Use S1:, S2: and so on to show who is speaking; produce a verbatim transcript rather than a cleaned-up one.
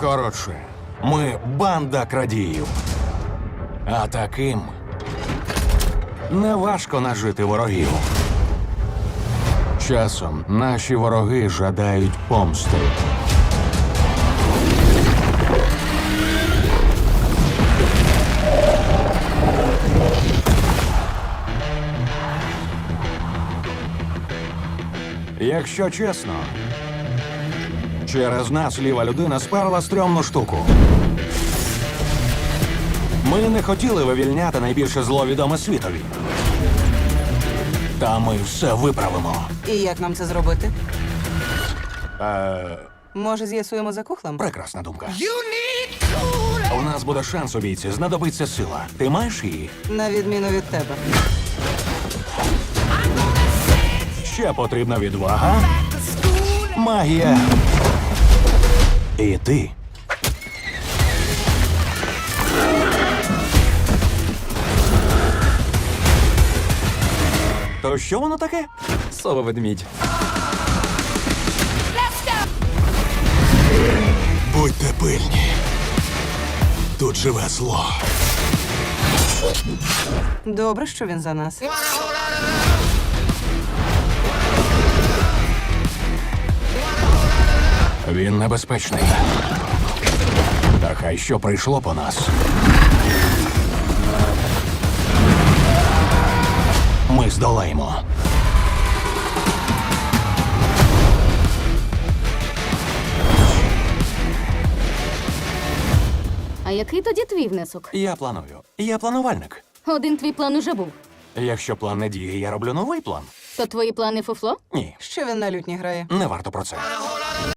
S1: Коротше, ми банда крадіїв. А таким неважко нажити ворогів. Часом наші вороги жадають помсти. Якщо чесно, через нас ліва людина сперла стрьомну штуку. Ми не хотіли вивільняти найбільше зло відоме світові. Та ми все виправимо.
S2: І як нам це зробити?
S1: Е,
S2: Може, з'ясуємо за кухлем?
S1: прекрасна думка. У нас буде шанс у бійці, знадобиться сила. Ти маєш її?
S2: На відміну від тебе.
S1: Ще потрібна відвага, магія. І ти. То що воно таке?
S3: Сова-ведмідь.
S1: Будьте пильні. Тут живе зло.
S2: Добре, що він за нас.
S1: Він небезпечний. Та хай що прийшло по нас. Ми здолаємо.
S4: А який тоді твій внесок?
S1: Я планую. Я планувальник.
S4: Один твій план уже був.
S1: Якщо план не діє, я роблю новий план.
S4: То твої плани фуфло?
S1: Ні,
S2: Що він на лютні грає?
S1: не варто про це.